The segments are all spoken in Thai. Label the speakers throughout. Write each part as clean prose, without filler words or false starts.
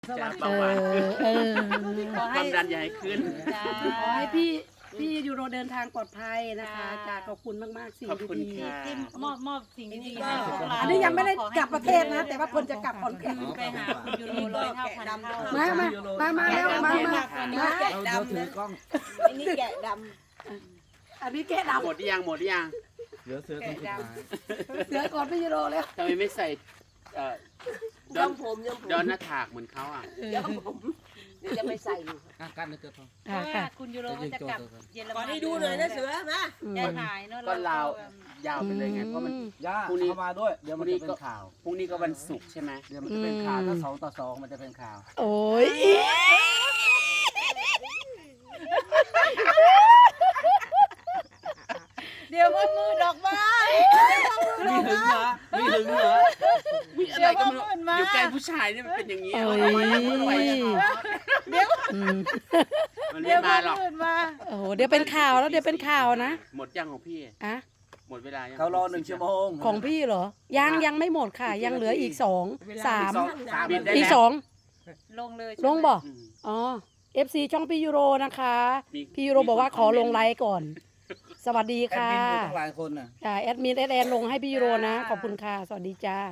Speaker 1: สวัสดี
Speaker 2: เบาหวานขึ้น
Speaker 1: ขอ
Speaker 2: ค
Speaker 1: ให้
Speaker 2: วามดันอย่าให้ขึ้น
Speaker 1: ขอให้พี่ยูโรเดินทางปลอดภัยนะคะจ้าขอบคุณมากๆสิ่ง
Speaker 2: ขอบคุณ
Speaker 1: ดี
Speaker 2: ค่ะ
Speaker 3: ที่มอบสิ่งดีๆ
Speaker 4: ก็
Speaker 3: ให้พวกเรา
Speaker 1: ๆอันนี้ยังไม่ได้กลับประเทศนะ แต่ว่าคนจะกลับขอนแก่น
Speaker 3: ไปหาคุณยูโรร้อยเท่าพันเท่า
Speaker 1: มาแล้วมา
Speaker 4: แกะดำเลยอันนี้แกะด
Speaker 1: อันนี้แกะด
Speaker 2: หมดหรือยังหมดหรือยัง
Speaker 5: เหลือเสือคนสุดท้าย
Speaker 1: ำเสือก่อนพี่ยูโรแล้ว
Speaker 2: ทำไมไม่ใส่เอ่อ
Speaker 4: ำ
Speaker 2: ดอน
Speaker 4: ย้อมผมย้อมผม
Speaker 2: ดอนหน้าถากเหมือนเขาอ่ะ
Speaker 4: ย้อมผมเดี๋ยวจะไปใส่อยู่
Speaker 5: กันนะเจ้าทอง
Speaker 3: เพราะว่าคุณยูโรจะกลับเยอรมัน
Speaker 4: ขอให้ดูหน่อยนะเสือมา
Speaker 3: ได้ถ่ายเนอะ
Speaker 2: ก็ลาวยาวไปเลยไงเพราะมัน
Speaker 5: ย่า
Speaker 2: พรุ่งนี้
Speaker 5: เข้ามาด้วย เดี๋ยวมันจะเป็นข่าว
Speaker 2: พรุ่งนี้ก็วันศุกร์ใช่ไหม
Speaker 5: เดี๋ยวมันจะเป็นข่าวถ้า2-2มันจะเป็นข่าว
Speaker 1: โอ้ย
Speaker 3: เดี๋ยวว่ามือดอกไม้
Speaker 5: มีหึงเหรอมีหึงเหรอ
Speaker 2: มีอะไรก็ไม่รู้อยู่ใกล้ผู้ชายเนี่ยมันเป็นอย่างนี้
Speaker 1: โอ้
Speaker 2: เอาไว้นะมันไว้
Speaker 1: อืม
Speaker 2: มันไม่มาหรอก
Speaker 1: โอ้โหเดี๋ยวเป็นข่าวแล้วเดี๋ยวเป็นข่าวนะ
Speaker 2: หมดยังของพี่
Speaker 1: อะ
Speaker 2: หมดเวลายัง
Speaker 5: เขารอ1 ชั่วโมง
Speaker 1: ของพี่เหรอยังไม่หมดค่ะ ยังเหลืออีกสองสาม
Speaker 2: บินได้
Speaker 1: อีก
Speaker 2: แล้ว
Speaker 1: สอง
Speaker 3: ลงเลย
Speaker 1: ลงบ่
Speaker 2: อืม
Speaker 1: อ๋อ FC ช่องพี่ยูโรนะคะ
Speaker 2: มี
Speaker 1: พี่ยูโรบอกว่าขอลงไลฟ์ก่อน สวัสดี
Speaker 5: แอด
Speaker 1: ค่ะ
Speaker 5: มินอยู่ตั้งหลายคนน่ะ
Speaker 1: แอดมินแอนลงให้พี่ยูโรนะ ขอบคุณค่ะ สวัสดีจ้า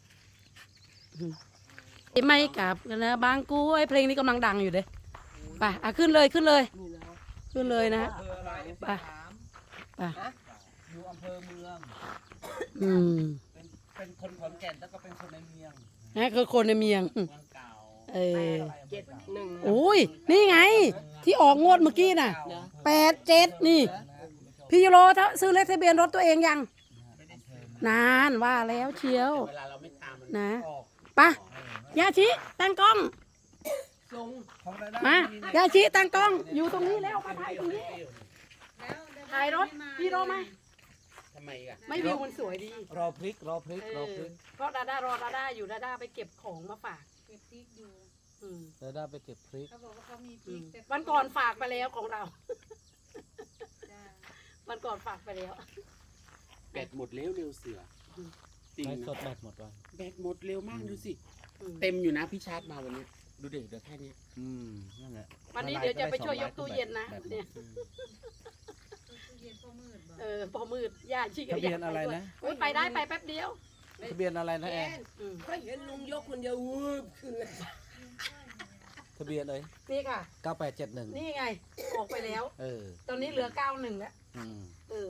Speaker 1: ไม่กลับกันนะบางกุ้ยเพลงนี้กำลังดังอยู่เลยไปขึ้นเลยขึ้นเลย ขึ้นเลยนะฮะ
Speaker 5: อำเภออะไร
Speaker 1: ไป ไป
Speaker 5: อยู่อำเภอเมือง
Speaker 1: อืม
Speaker 5: เป็นคนขอนแก่นแล้วก็เป็นคนในเมือง
Speaker 1: นี่คือคนในเมียง
Speaker 2: เมืองเก่า
Speaker 1: เออ
Speaker 4: 71
Speaker 1: โอ้ยนี่ไง ที่ออกงวดเมื่อกี้น่ะ87นี่ พี่ยูโรถ้าซื้อเลขทะเบียนรถตัวเองยัง นานว่าแล้วเชียว
Speaker 2: เวลาเราไม่ตามมัน
Speaker 1: นะไปะยาชิตั้งกล้อง
Speaker 5: ของรายได้
Speaker 1: มา ยาชิตั้งกล้อง อยู่ตรงนี้แล้วมาถ่ายตรงนี้ ถ่ายรถ พี่โรมา
Speaker 2: ทำไมอ่ะ
Speaker 1: ไม่วิวมันสวยดี
Speaker 5: รอพริกรอพริกรอพริก
Speaker 1: เพราะดาด้ารอดาด้าอยู่ดาด้าไปเก็บของมาฝาก
Speaker 3: เก็บพริกอยู่
Speaker 1: อืม
Speaker 5: เดี๋ยวได้ไปเก็บพริก
Speaker 3: เขาบอกว่าเขามีพริกแต่
Speaker 1: วันก่อนฝากไปแล้วของเรา
Speaker 3: จ้า
Speaker 1: วันก่อนฝากไปแล้ว
Speaker 2: แบตหมดเร็วเร็วเสือจริง
Speaker 5: ไม่ส
Speaker 2: นะ
Speaker 5: ดแบตหมดว่ะ
Speaker 2: แบตหมดเร็วมากดูสิ
Speaker 1: อืม
Speaker 2: เต็มอยู่นะพี่ชาร์จมาวันนี้ดูเด็กเดี๋ยวแค่นี้
Speaker 5: นั่นแหละ
Speaker 1: วันนี้เดี๋ยวจะไปช่วยยกตู้เย็นนะ
Speaker 5: แบบ
Speaker 1: เนี่ย
Speaker 3: ตู้เย็นก็มืดบ่
Speaker 1: พอมืดย่าชิ
Speaker 5: ทะเบียนอะไรนะ
Speaker 1: โอ้ยไปได้ไปแป๊บเดียว
Speaker 5: ทะเบียนอะไรนะแอน
Speaker 1: อืม
Speaker 4: ก็เห็นลุงยกคนเดียววืบขึ้นเลย
Speaker 5: ทะเบียนเลย
Speaker 1: นี่ค่ะ
Speaker 5: 9871
Speaker 1: นี่ไง ออกไปแล้ว
Speaker 5: เออ
Speaker 1: ตอนนี้เหลือ91แล้ว
Speaker 5: อืม
Speaker 1: เออ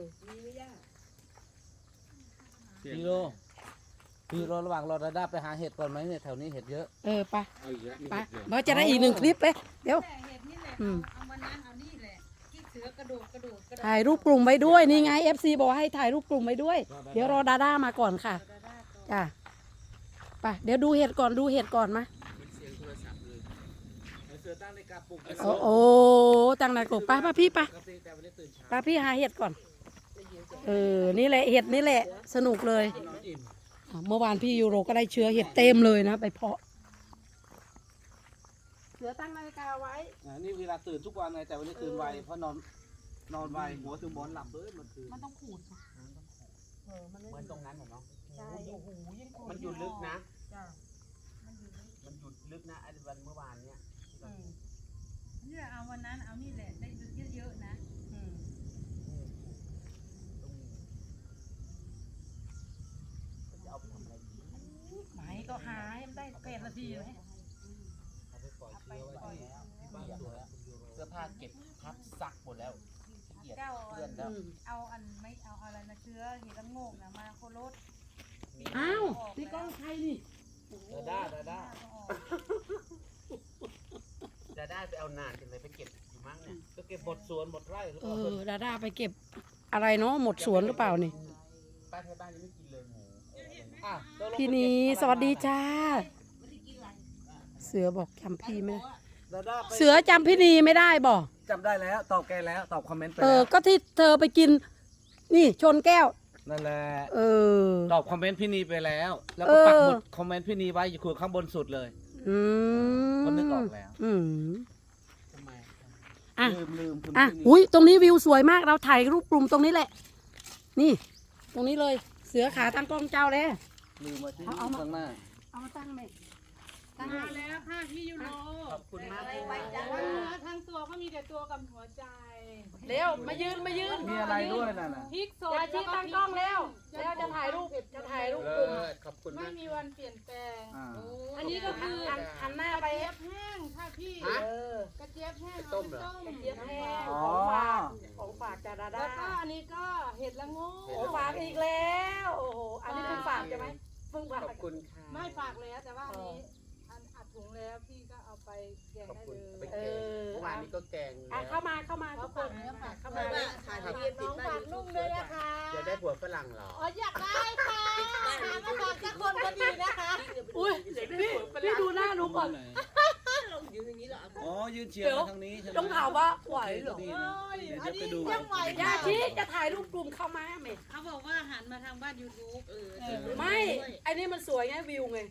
Speaker 5: พี่โรระหว่างรอดาด้าไปหาเห็ดก่อนไหมเนี่ยแถวนี้เห็ดเยอะ
Speaker 1: ไป
Speaker 2: เอาอีกแล้ว
Speaker 1: ไปเราจะได้อีก1คลิปเลยเดี๋ยว
Speaker 3: แต่เห็ดนี่แหละ
Speaker 1: อืม
Speaker 3: เอาวันนั้นเอานี่แหละที่เสือกระโดดกระโดดกระโดด
Speaker 1: ถ่ายรูปกลุ่มไว้ด้วยนี่ไง FC บอกว่าให้ถ่ายรูปกลุ่มไว้ด้วย เดี๋ยวรอดาด้ามาก่อนค่ะจ้ะไปเดี๋ยวดูเห็ดก่อนดูเห็ดก่อนมา
Speaker 2: เสียงโทรศัพท์เลย
Speaker 5: เสือตั้งในกาปลุก
Speaker 1: โอ้ตั้งนายกบป้าพี่ป้า
Speaker 5: แต่วันนี้ตื่นเช้า
Speaker 1: ป้าพี่หาเห็ดก่อนนี่แหละเห็ดนี่แหละ สนุกเลย
Speaker 5: นอนอิ่ม
Speaker 1: เมื่อวานพี่ยูโรก็ได้เชื้อเห็ดเต็มเลยนะไปเพาะเสือตั้งนาฬิกาไว้
Speaker 5: นี่เวลาตื่นทุกวันไงแต่วันนี้ตื่นไวเพราะนอนไวหัวถึงหมอนหลับเลยเมื่อคืน
Speaker 1: มันต้องขูดค่ะมันไม่
Speaker 2: เหมือนตรงนั้นเหรอเนาะ
Speaker 1: ใช่โอ้โหยิ่งขูด
Speaker 2: มันอยู่ลึกนะ
Speaker 1: จ้ะ
Speaker 2: มันอยู่ลึกนะไอ้วันเมื่อวานเนี้ยที่เรา
Speaker 3: นี่แหละเอาวันนั้นเอานี่แหละได้เยอะๆนะ
Speaker 2: จะเอาไปทำอะไรดี
Speaker 1: ไหมก็หาให้มันได้8 นาทีไหม
Speaker 5: เอาไปปล่อยเชื้อไว้ที่บ้านสวยอะ
Speaker 2: เสื้อผ้าเก็บพับซักหมดแล้วขี้เกียจ
Speaker 3: เจ้า
Speaker 2: เพื่อนแล้ว
Speaker 3: เอาอันไม่เอาอะไรนะเชื้อเห็ดละโงกนะมาโคโรส
Speaker 1: อ้าวนี่กล้องใครนี่
Speaker 5: ดาด้า
Speaker 2: จะได้ไปเอานานจังเลยไปเก็บอยู่มั้งเนี่ย
Speaker 5: ก็เก็บหมดสวนหมดไร่หรือเปล่า
Speaker 1: ดาด้าไปเก็บอะไรเนาะหมดสวนหรือเปล่านี่
Speaker 2: ป้าไทยบ้านยังไม่กินเลยหมู
Speaker 5: อ่ะตกลง
Speaker 1: พี่นีสวัสดีจ้า เสือบอกจำพี่ไม่ได้
Speaker 5: ดาด้าไป
Speaker 1: เสือจำพี่นีไม่ได้บอก
Speaker 5: จำได้แล้วตอบแกแล้วตอบคอมเมนต์ไป
Speaker 1: เอ
Speaker 5: แล้
Speaker 1: อ
Speaker 5: ว
Speaker 1: ก็ที่เธอไปกิน นี่ชนแก้ว
Speaker 5: นั่นแหละ
Speaker 1: เออ
Speaker 5: ตอบคอมเมนต์พี่นีไปแล้ว แล้ว
Speaker 1: เอ
Speaker 5: ก็
Speaker 1: อ
Speaker 5: ปักหมุดคอมเมนต์พี่นีไว้อยู่ข้างบนสุดเลย
Speaker 1: อืม
Speaker 5: คนนึกออกแล้ว
Speaker 1: อืม
Speaker 2: ทำไม
Speaker 1: อ่ะ
Speaker 5: ลืมคุณ
Speaker 1: อ่ะ
Speaker 5: พี่นี
Speaker 1: อุ้ยตรงนี้วิวสวยมากเราถ่ายรูปกลุ่มตรงนี้แหละ นี่ ตรงนี้เลย เสือขาตั้งกล้องเจ้าเลย
Speaker 5: ลืมมาที่
Speaker 1: เอามา
Speaker 5: ข้างหน้า
Speaker 1: เอามาตั้งไหม
Speaker 3: มาแล้วค่ะพี่ยูโร
Speaker 2: ขอบคุณมากเลย
Speaker 3: ทั้งตัวก็มีแต่ตัวกับหัวใจ
Speaker 1: เร็วมายืน
Speaker 5: มีอะไรด้วยน่ะนะ
Speaker 3: พริกสด
Speaker 1: ยาชีตั้งกล้องแล้วจะถ่ายรูปกลุ่ม
Speaker 2: ขอบคุณ
Speaker 3: ไม่
Speaker 2: มาก
Speaker 3: มีวันเปลี่ยนแปลง
Speaker 5: อ่า
Speaker 3: อันนี้ก็คือ
Speaker 1: หันหน้าก ไป
Speaker 3: ระเจี๊ยบแห้งค่ะพี่
Speaker 2: ฮะ
Speaker 3: กระเจี๊ยบแห้ง
Speaker 2: ต้มเหรอ
Speaker 3: กระ
Speaker 1: เจี๊ยบแห้ง
Speaker 5: อ๋อ
Speaker 1: ของฝากจากดา
Speaker 3: แล้
Speaker 1: ด้าว
Speaker 3: ก็อันนี้ก็เห็ดละโง่
Speaker 1: ของฝากอีกแล้วโอ้โหอันนี้เพิ่งฝากใช่ไหมเพิ่งฝาก
Speaker 2: ขอบคุณค่ะ
Speaker 3: ไม่ฝากแล้วแต่ว่าอันนี้อัดถุงแล้วพี่ก็เอาไปแกง
Speaker 2: ขอบ
Speaker 3: ได้
Speaker 2: คุณ
Speaker 3: เลย
Speaker 2: ไปแกงเมื่อวานนี้ก็แกง
Speaker 1: อ่ะเข้ามาทุกคน
Speaker 4: เข้ามาถ่ายทะเบียนติดบ้าน
Speaker 3: ลุงด้วยนะคะ
Speaker 2: จะได้ผัวฝรั่งเหรอ
Speaker 3: อ๋ออยากได้ค่ะหามาฝากสักคนก็ดีนะคะ
Speaker 1: อุ้ยพี่ดูหน้าหนูก่อน
Speaker 4: เราอยู่อย่างนี้เหรอ
Speaker 5: อ๋อยืนเฉียงมาทางนี้ใช่ไหม
Speaker 1: ต้องถามว่าไหวเหรอ
Speaker 5: ดีนะเดี๋ยวไปดู
Speaker 3: ยังไหวย
Speaker 1: าชีจะถ่ายรูปกลุ่มเข้ามาไหม
Speaker 3: เขาบอกว่าหันมาทางบ้าน YouTube
Speaker 1: ไม่ไอ้นี่มันสวยไงวิวไง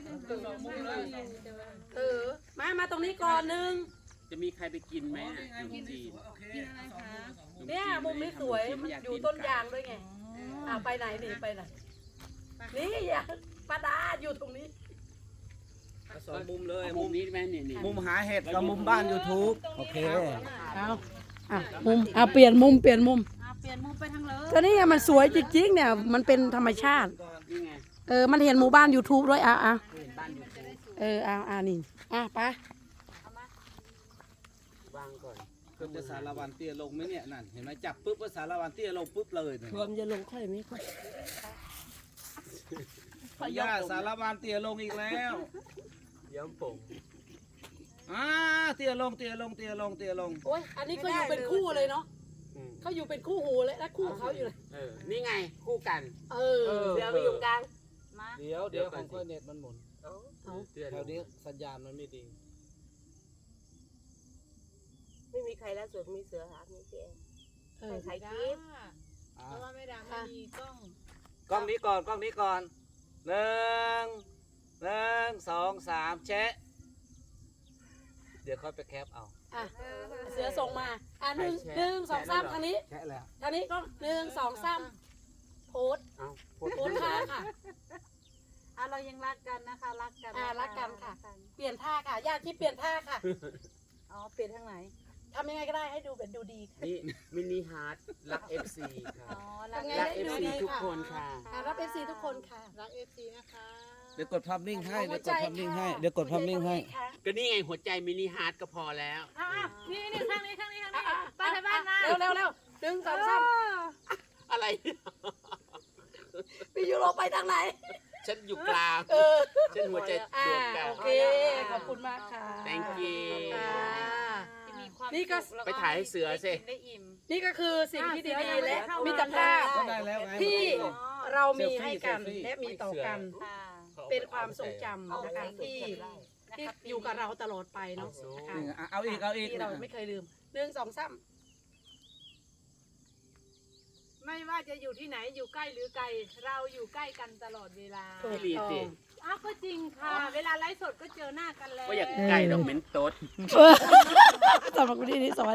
Speaker 1: มาตรงนี้ก่อนนึง
Speaker 2: จะมีใครไปกินไหมขนมจีน
Speaker 3: กินอะไรคะ
Speaker 1: เนี่ยมุมนี้สวยอยู่ต้นยางด้วยไงไปไหนนี่ไปไหนนี่อย่าปาดาอยู่ตรงนี้
Speaker 5: สองมุมเลย
Speaker 2: มุมนี้ไหมนี่
Speaker 5: มุมหาเห็ดกับมุมบ้าน YouTube โอเค
Speaker 1: เอาเปลี่ยนมุม
Speaker 3: เปลี่ยนมุมไปทางเลย
Speaker 1: ก็นี่ไงมันสวยจริงๆเนี่ยมันเป็นธรรมชาติ
Speaker 2: นี่ไง
Speaker 1: มันเห็นหมู่บ้าน YouTube ด้วย
Speaker 2: เห็นบ้านอยู่ตรง
Speaker 1: นี่ไป
Speaker 2: วางก่อน
Speaker 5: เพิ่มจะสารวันเตี้ยลงไหมเนี่ยนั่นเห็นไหมจับปุ๊บก็สารวันเตี้ยลงปุ๊บเลยเนี่ย
Speaker 4: รวมจะลงค่อยไหมค่อย
Speaker 5: ย่าสารวันเตี้ยลงอีกแล้ว
Speaker 2: ย้อมผม
Speaker 5: เตี้ยลงเตี้ยลงเตี้ยลงเตี้ยลง
Speaker 1: โอ้ยอันนี้ก็อยู่เป็นคู่เลยเนาะเขาอยู่เป็นคู่หูเลยและคู่เขาอยู่เลย
Speaker 2: นี่ไงคู่กัน
Speaker 1: เดี๋ยวไปอยู่กลาง
Speaker 3: มา
Speaker 5: เดี๋ยวของค่อยเน็ตมันหมุน
Speaker 2: เตือน
Speaker 5: แถวนี้สัญญาณมันไม่ดี
Speaker 4: ไม่มีใครแล้วส่วนมีเสือหามีเจ๊ใคร
Speaker 3: ได้
Speaker 4: คลิป
Speaker 3: เพราะว่าไม่ดังไม่มีกล้อง
Speaker 5: กล้องนี้ก่อนหนึ่งสองสามแชะเดี๋ยวค่อยไปแคปเอา
Speaker 1: เสือส่งมาหนึ่งสองสามทางนี้
Speaker 5: แชะแล้ว
Speaker 1: ทางนี้ก็1 2 3โพส
Speaker 2: เอา
Speaker 1: โพสท่าค่ะ
Speaker 3: เรายังรักกันนะคะรักกัน
Speaker 1: รักกันค่ะ เปลี่ยนท่าค่ะญาติที่เปลี่ยนท่าค่ะ
Speaker 3: อ๋อเปลี่ยนทางไหน
Speaker 1: ทำยังไงก็ได้ให้ดูเป็นดูดีค่ะ
Speaker 2: นี่มินิฮาร์ดรัก FC ค่ะ
Speaker 3: อ๋อรัก
Speaker 2: รัก FC ทุกคนค่ะ
Speaker 1: รับ FC ทุกคนค่ะ
Speaker 3: รัก FC นะคะ
Speaker 5: เดี๋ยวกดภาพนิ่งให้เดี๋ยวกดภาพนิ่งให้เดี๋ยวกดภาพนิ่งให้
Speaker 2: ก็นี่ไงหัวใจมินิฮาร์ดก็พอแล้ว
Speaker 3: นี่ข้างนี้บ้านในบ้านนะ
Speaker 1: เร็ว1 2 3
Speaker 2: อะไร
Speaker 1: พี่ยูโรไปทางไหน
Speaker 2: ฉันอยู่กลางฉันหัวใจดวงกลาง
Speaker 1: โอเคขอบคุณมากค่ะ
Speaker 2: thank you
Speaker 1: นี่ก็
Speaker 2: ไปถ่ายให้เสือสิ
Speaker 3: ได้อิ่ม
Speaker 1: นี่ก็คือสิ่งที่ดีๆและมิตรภาพ
Speaker 5: ก็ได้แล้วไง
Speaker 1: ที่เรามีให้กัน
Speaker 5: เซลฟี่
Speaker 1: และมีต่อกัน เป็นความทรงจำนะคะที่อยู่กับเราตลอดไปเนาะนะคะ
Speaker 5: เอาอีก
Speaker 1: ที่เราไม่เคยลืม1 2 3
Speaker 3: ไม่ว่าจะอยู่ที่ไหนอยู่ใกล้หรือไกลเราอยู่ใกล้กันตลอดเวลา
Speaker 2: พี่ลีสิ
Speaker 3: อ้าวก็จริงค่ะ เวลาไลฟ์สดก็เจอหน้ากันแล้ว
Speaker 2: ก็อยากใกล้ดอกเม้นโต๊ด
Speaker 1: สำหรับวันนี้สวัสดี